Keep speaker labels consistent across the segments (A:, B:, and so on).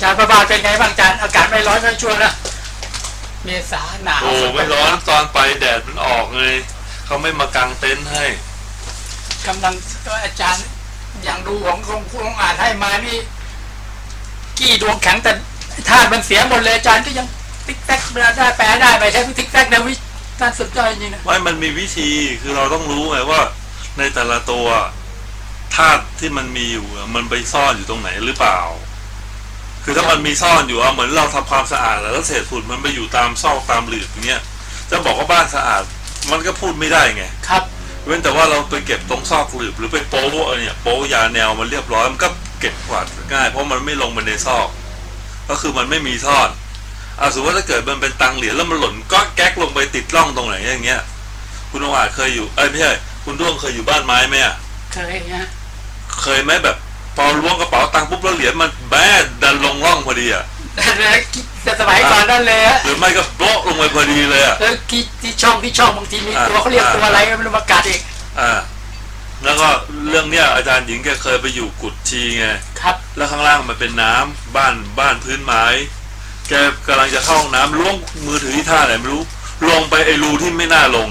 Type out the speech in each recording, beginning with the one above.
A: จารย์ประบาเป็นไงบ้างอาจารย์อากาศไม่ร้อนไม่ชั่วนะเมษาหนาว
B: โอ้ไม่ร้อนตอนไปแดดมันออกไงเขาไม่มากางเต็นท์ให้
A: กำลังก็อาจารย์อย่างดูของคุณอ่านให้มานี่กี้ดวงแข็งแต่ธาตุมันเสียหมดเลยอาจารย์ก็ยังติ๊กแท็กได้แปลได้ไปใช้ติ๊กแท็กนะวิท่านสุดยอดจริงนะ
B: ไม่มันมีวิธีคือเราต้องรู้ไงว่าในแต่ละตัวธาตุที่มันมีอยู่มันไปซ่อนอยู่ตรงไหนหรือเปล่าคือถ้ามันมีซ่อนอยู่เหมือนเราทำความสะอาดแล้วเศษฝุ่นมันไปอยู่ตามซอกตามหลืบอย่างเงี้ยจะบอกว่าบ้านสะอาดมันก็พูดไม่ได้ไง
A: ครับ
B: เว้นแต่ว่าเราไปเก็บตรงซอกหลืบหรือไปโป๊ะเนี่ยโป๊ะยาแนวมันเรียบร้อยมันก็เก็บกวาดง่ายเพราะมันไม่ลงไปในซอกก็คือมันไม่มีซ่อนสมมติว่าถ้าเกิดมันเป็นตังเหรียญแล้วมันหล่นก็แก๊กลงไปติดร่องตรงไหนอย่างเงี้ยคุณองอาจเคยอยู่ไม่ใช่คุณด้วงเคยอยู่บ้านไม้ไหม
A: เคยนะ
B: เคยไหมแบบพอล้วงกระเป๋าตังค์ปุ๊บแล้วเหรียญมันแบ๊ดดันลงร่องพอดี
A: แต่สมัยก่อนนั่นเลย
B: หรือไม่ก็โป๊ะลงไปพอดีเลย
A: ที่ช่องบางทีมีตัวเขาเรียกตัวอะไรไม่รู้มากัดอีก
B: แล้วก็เรื่องเนี้ยอาจารย์หญิงแกเคยไปอยู่กุดชีไง
A: ครับ
B: แล้วข้างล่างมันเป็นน้ำบ้านพื้นไม้แกกำลังจะเข้าห้องน้ำล้วงมือถือที่ท่าไหนไม่รู้ลงไปไอ้รูที่ไม่น่าลง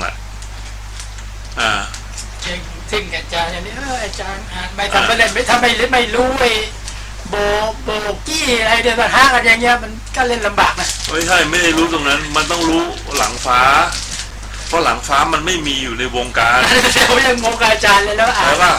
A: จริงอาจารย์อย่างนี้อาจารย์ไม่ทำไม่เล่นไม่ทำไม่รู้ไอ้โบกี้อะไรเดี๋ยวมันห้ากันอย่างเงี้ยมันก็เล่นลำบากนะ
B: ไม่ใช่ไม่ได้รู้ตรงนั้นมันต้องรู้หลังฟ้าเพราะหลังฟ้ามันไม่มีอยู่ในวงการ
A: เขายังงงอาจารย์เลยแล้ว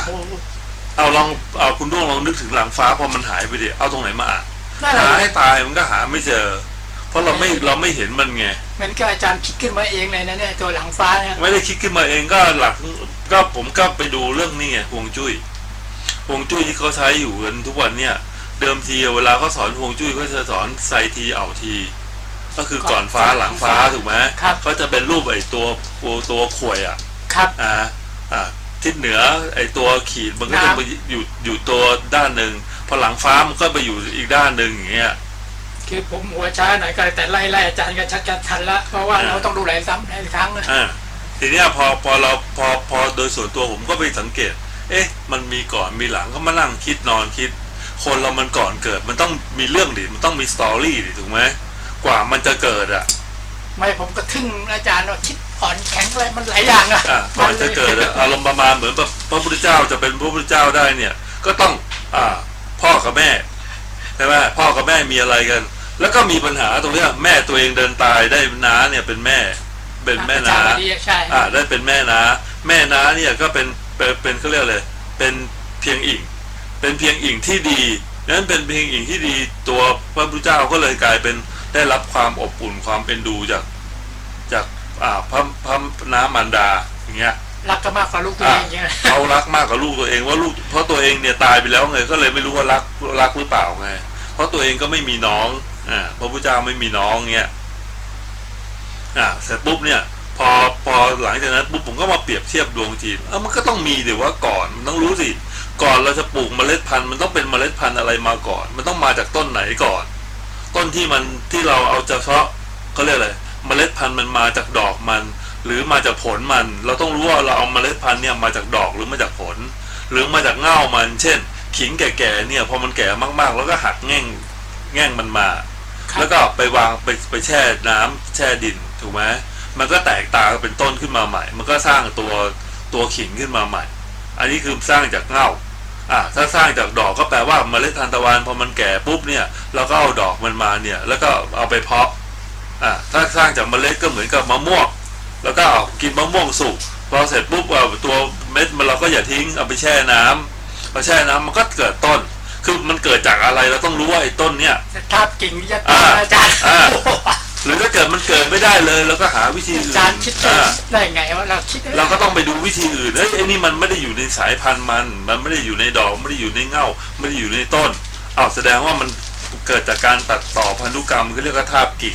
B: เอาคุณด้วงลองนึกถึงหลังฟ้าพอมันหายไปดิเอาตรงไหนมาหาให้ตายมันก็หาไม่เจอเพราะเราไม่เห็นมันไง
A: มันก็อาจารย์คิดขึ้นมาเองเลยนะเนี่ยตัวหลังฟ้าเนี่ย
B: ไม่ได้คิดขึ้นมาเองก็หลักก็ผมก็ไปดูเรื่องนี้ไงฮวงจุ้ยที่เขาใช้อยู่กันทุกวันเนี่ยเดิมทีเวลาเขาสอนฮวงจุ้ยเขาจะสอนไซทีเอาทีก็คือก่อนฟ้าหลังฟ้าถูกไหมเขาจะเป็นรูปไอ้ตัวข่วย
A: ครับ
B: ทิศเหนือไอ้ตัวขีดมันก็จะไปอยู่ตัวด้านหนึ่งพอหลังฟ้ามันก็ไปอยู่อีกด้านหนึ่งอย่างเงี้ย
A: คือผมหัวช้าหน่อยก็แต่ไล่อาจารย์ก็ชักจะทันละเพราะว่าเราต้องดูหลายซ้ำหลายครั้งนะ
B: ทีนี้พอโดยส่วนตัวผมก็ไปสังเกตมันมีก่อนมีหลังก็มานั่งคิดนอนคิดคนเรามันก่อนเกิดมันต้องมีเรื่องดิมันต้องมีสตอรี่ดิถูกไหมกว่ามันจะเกิด
A: ไม่ผมก็ทึ่งอาจารย์ว่าคิดอ่อนแข็งอะไรมันหลายอย่าง
B: ก่อนจะเกิดอารมณ์ประมาณเหมือนแบบพระพุทธเจ้าจะเป็นพระพุทธเจ้าได้เนี่ยก็ต้องพ่อกับแม่ใช่ไหมพ่อกับแม่มีอะไรกันแล้วก็มีปัญหาตรงนี้แม่ตัวเองเดินตายได้น้าเนี่ยเป็นแม่น้าได้เป็นแม่น้าเนี่ยก็เป็นเขาเรียกอะไรเป็นเพียงอิ่งที่ดีนั้นเป็นเพียงอิ่งที่ดีตัวพระพุทธเจ้าก็เลยกลายเป็นได้รับความอบอุ่นความเป็นดูจากพระน้ามารดาอย่างเงี้ย
A: รักก็มากกว่าลูกตัวเอง
B: เขารักมากกว่าลูกตัวเองว่าลูกเพราะตัวเองเนี่ยตายไปแล้วไงก็เลยไม่รู้ว่ารักหรือเปล่าไงเพราะตัวเองก็ไม่มีน้องพระพุทธเจ้าไม่มีน้องเงี้ยเสร็จปุ๊บเนี่ยพอหลังจากนั้นปุ๊บผมก็มาเปรียบเทียบดวงจีนมันก็ต้องมีเดี๋ยวว่าก่อนมันต้องรู้สิก่อนเราจะปลูกเมล็ดพันธุ์มันต้องเป็นเมล็ดพันธุ์อะไรมาก่อนมันต้องมาจากต้นไหนก่อนต้นที่เราเอาเฉพาะเขาเรียกอะไรเมล็ดพันธุ์มันมาจากดอกมันหรือมาจากผลมันเราต้องรู้ว่าเราเอาเมล็ดพันธุ์เนี่ยมาจากดอกหรือมาจากผลหรือมาจากเง่ามันเช่นขิงแก่ๆเนี่ยพอมันแก่มากๆแล้วก็หักแง่งมันมาแล้วก็ไปวางไปแช่น้ำแช่ดินถูกไหมมันก็แตกตาเป็นต้นขึ้นมาใหม่มันก็สร้างตัวขิงขึ้นมาใหม่อันนี้คือสร้างจากเง่าถ้าสร้างจากดอกก็แปลว่าเมล็ดทานตะวันพอมันแก่ปุ๊บเนี่ยเราก็เอาดอกมันมาเนี่ยแล้วก็เอาไปเพาะถ้าสร้างจากเมล็ดก็เหมือนกับมะม่วงแล้วก็เอากินมะม่วงสุกพอเสร็จปุ๊บตัวเม็ดมันเราก็อย่าทิ้งเอาไปแช่น้ำพอแช่น้ำมันก็เกิดต้นคือมันเกิดจากอะไรเราต้องรู้ว่าไอ้ต้นเนี่ย
A: ภาพกิ่งวิทยาศาสตร์อาจารย์
B: หรือถ้าเกิดมันเกิดไม่ได้เลยเราก็หาวิธีอื่น
A: อาจารย์คิดได้ไงว่า
B: เราก็ต้องไปดูวิธีอื่นไอ้นี่มันไม่ได้อยู่ในสายพันธุ์มันไม่ได้อยู่ในดอกไม่ได้อยู่ในเง่าไม่ได้อยู่ในต้นแสดงว่ามันเกิดจากการตัดต่อพันธุกรรมเขาเรียกว่าทาบกิ่ง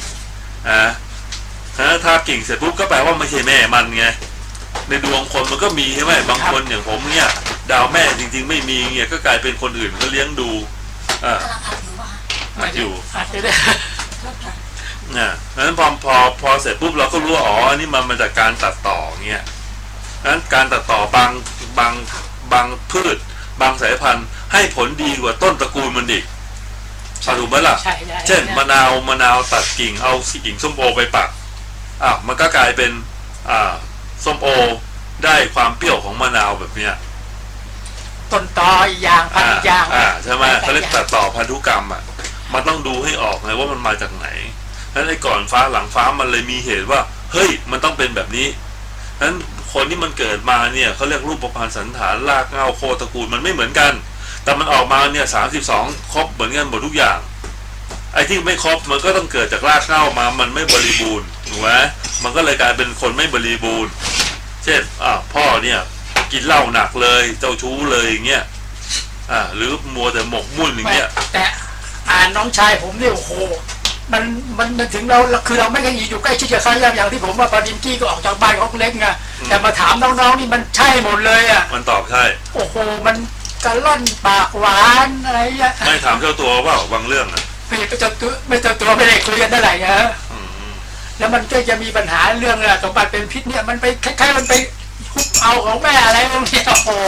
B: ทาบกิ่งเสร็จปุ๊บก็แปลว่าไม่ใช่แม่มันไงในดวงคนมันก็มีใช่ไหมบางคนอย่างผมเนี่ยดาวแม่จริงๆไม่มีเงี้ยก็กลายเป็นคนอื่นก็เลี้ยงดูอยู่นั้นพอเสร็จปุ๊บเราก็รู้ว่านี่มันมาจากการตัดต่อเงี้ยนั้นการตัดต่อบางพืชบางสายพันธุ์ให้ผลดีกว่าต้นตระกูลมันอีกถูกไหมล่ะ
A: ใช่ใช่
B: เช่นมะนาวตัดกิ่งเอากิ่งส้มโอไปปักมันก็กลายเป็นส้มโอได้ความเปรี้ยวของมะนาวแบบเนี้ย
A: ต้นตออีกอย่างพันธุ์อีกอย่าง
B: ใช่ไหมเขาเรียกตัดต่อพันธุกรรมมันต้องดูให้ออกไงว่ามันมาจากไหนนั้นไอ้ก่อนฟ้าหลังฟ้ามันเลยมีเหตุว่าเฮ้ยมันต้องเป็นแบบนี้นั้นคนที่มันเกิดมาเนี่ยเขาเรียกรูปประพันธ์สันฐานรากเหง้าโคตระกูลมันไม่เหมือนกันแต่มันออกมาเนี่ย32ครบเหมือนกันหมดทุกอย่างไอ้ที่ไม่ครบมันก็ต้องเกิดจากรากเหง้ามามันไม่บริบูรณ์ถูกไหมมันก็เลยกลายเป็นคนไม่บริบูรณ์เช่นพ่อเนี่ยกินเหล้าหนักเลยเจ้าชู้เลยอย่างเงี้ยหรือมัวแต่หมกมุ่นอย่างเงี้ย
A: แต่น้องชายผมเนี่ยโอ้โหมันถึงเราคือเราไม่เคยอยู่ใกล้ชิดกับเขาอย่างที่ผมว่าปาดินกี้ก็ออกจากบ้านเขาเล็กไงแต่มาถามน้องๆนี่มันใช่หมดเลย
B: มันตอบใช่
A: โอ้โหมันกระล่อนปากหวานอะไรเงี้ย
B: ไม่ถามเจ้าตัวว่าบางเรื่อง
A: ไม่เจ้าตัวไม่ได้คุยกันเท่าไหร่นะแล้วมันก็จะมีปัญหาเรื่องสมบัติเป็นพิษเนี่ยมันไปคล้ายๆมันไปคุกเอาของแม่อะไรบางทีโอ้โห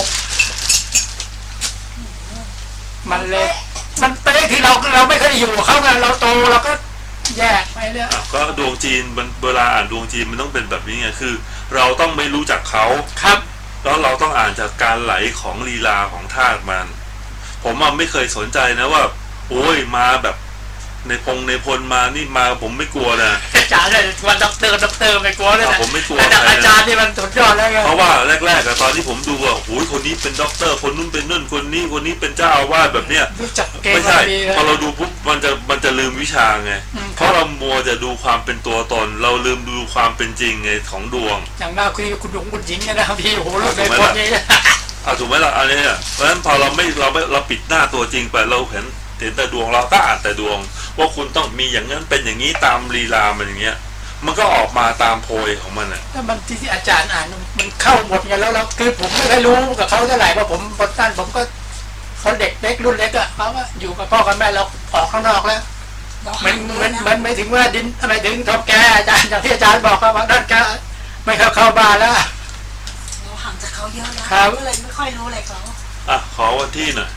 A: มันเลยมันไปได้ที่เราไม่เคยอยู่เขาไงเราโตเราก็แยกไปเนี่ย
B: ก็ดวงจีนมันเวลาอ่านดวงจีนมันต้องเป็นแบบนี้ไงคือเราต้องไม่รู้จักเขา
A: ครับ
B: แล้วเราต้องอ่านจากการไหลของลีลาของธาตุมันผมไม่เคยสนใจนะว่าโอ้ยมาแบบในพลมานี่มาผมไม่กลัวนะ
A: อาจารย์เลยวันด็อกเตอร์ไม่กลัวเลยนะ
B: ผมไม่กลัว
A: อาจารย์นี่มันสุดยอดแล้วไง
B: เพราะว่าแรกๆตอนที่ผมดูว่าโอ้ยคนนี้เป็นด็อกเตอร์คนนู้นเป็นนู่นคนนี้เป็นเจ้าอาวาสแบบเนี้ยไม่ใช่พอเราดูปุ๊บมันจะลืมวิชาไงเพราะเรามัวจะดูความเป็นตัวตนเราลืมดูความเป็นจริงไงของดวง
A: อย่างน่าคุยกับคุณหญิงนะครับพี่โอ้โหรู้ในคนนี้
B: ถูกไหมล่ะอันนี้เพราะฉะนั้นพอเราปิดหน้าตัวจริงไปเราเห็นแต่ดวงเราก็อ่านแต่ดวงว่าคุณต้องมีอย่างนั้นเป็นอย่างนี้ตามลีลามันอย่างเงี้ยมันก็ออกมาตามโพยของมัน
A: ถ้ามันที่อาจารย์อ่านมันเข้าหมดไงแล้วคือผมไม่เคยรู้กับเขาเท่าไหร่เพราะผมบนต้นผมก็เขาเด็กเล็กรุ่นเล็กเขาว่าอยู่กับพ่อกับแม่เราออกข้างนอกแล้วมันไม่ถึงว่าดินไม่ถึงทบแกอาจารย์อย่างที่อาจารย์บอกว่าด้านแกไม่เข้าบ้านแล้ว
C: เราห่างจากเขาเยอะแล้วก็เลยไม่ค่อยรู้อะไรเขา
B: ขอวันที่หน่อย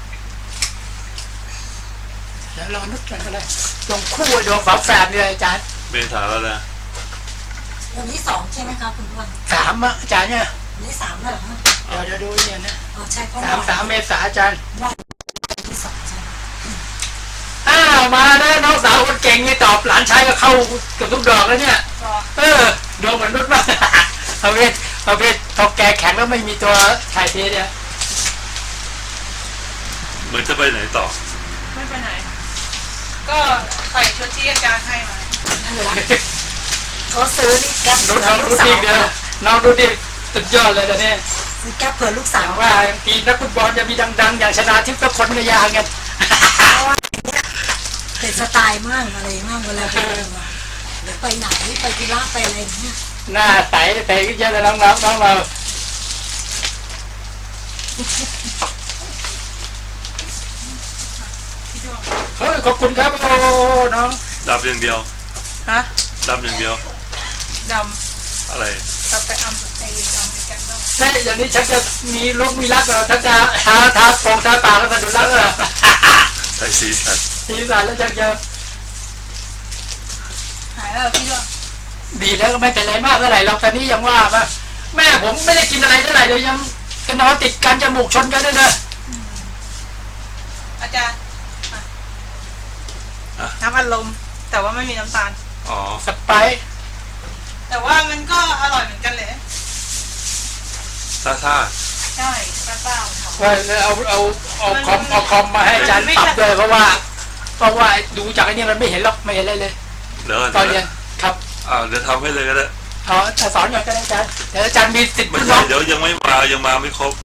A: แล้วรอนึกกันก็ได้ตรงคู่ดวงฝาแฝดเนี่ยอาจารย์
B: เมษาแล้วนะ
C: วันที่2ใช่ไหมครับคุณพ่อ
A: 3อาจารย์เนี่ย
C: วันที่3แล้วเหรอ
A: เดี๋ยวดูเนี่ยนะ
C: ใช่เพราะ
A: 3เมษาอาจารย์
C: วันที่2ใช่
A: มาแล้วน้องสาวคนเก่งนี่ตอบหลานชายก็เข้าเกือบทุกดอกแล้วเนี่ยดวงเหมือนนุชมากประเภททอกแกแข็งแล้วไม่มีตัวถ่ายเทเนี่ย
B: เหมือนจะไปไหนต่อ
D: ไม่ไปไหนก็ใส่ชุดที่อาจารย์ให้มา
C: เขาซื้อนี่แก๊ป
A: ดูดีเดียวน้องดูดีสุดยอดเลยตอนนี้
C: ซื้อแก๊ปเผื่อลูกสาว
A: ว่าทีนักฟุตบอลจะมีดังๆอย่างชนะทิพย์ก็คนในยางกัน
C: เป็นสไตล์มั่งอะไรมั่งเวลาไปไหนไปกีฬาไปอะไรเนี่ย
A: หน้าใสก็เยอะเลยน้องเราเฮ้ยขอบคุณครับโอ้น้อง
B: ดับอย่างเดียวดับอย่างเดียว
D: ดำ
B: อะไร
D: เราไปอัมไปกันต้อง
A: ใช่อย่างนี้ฉันจะมีลูกมีรักเหรอฉันจะทาโป่งทาปากแล้วจะดูรักเหรอ
B: ใส่สีสัน
A: แล้วจะ
D: หายแล้วพี่ด้วย
A: ดีแล้วก็ไม่เป็นไรมากเท่าไหร่เราตอนนี้ยังว่าแม่ผมไม่ได้กินอะไรเท่าไหร่เลยยังกันนอนติดกันจมูกชนกันด้วยนะ
D: อาจารย์น้ำอัดลมแต่ว่าไม่มีน้ำตาล
A: สไปซ์
D: แต่ว่ามันก็อร่อยเหมือนกันเลย
B: ซ่า
D: ใช่ซ่า
A: เอาคอมมาให้อาจารย์ปรับเลยเพราะว่าดูจากไอ้นี่มันไม่เห็นหรอกไม่เห็นอะไรเลยตอนเรียนครับ
B: เดี๋ยวทำให้เลยก็ได้
A: จะสอนอย่างอาจารย์เดี๋ยวอาจารย์มีสิทธิ์
B: เดี๋ยวยังไม่มาไม่ครบ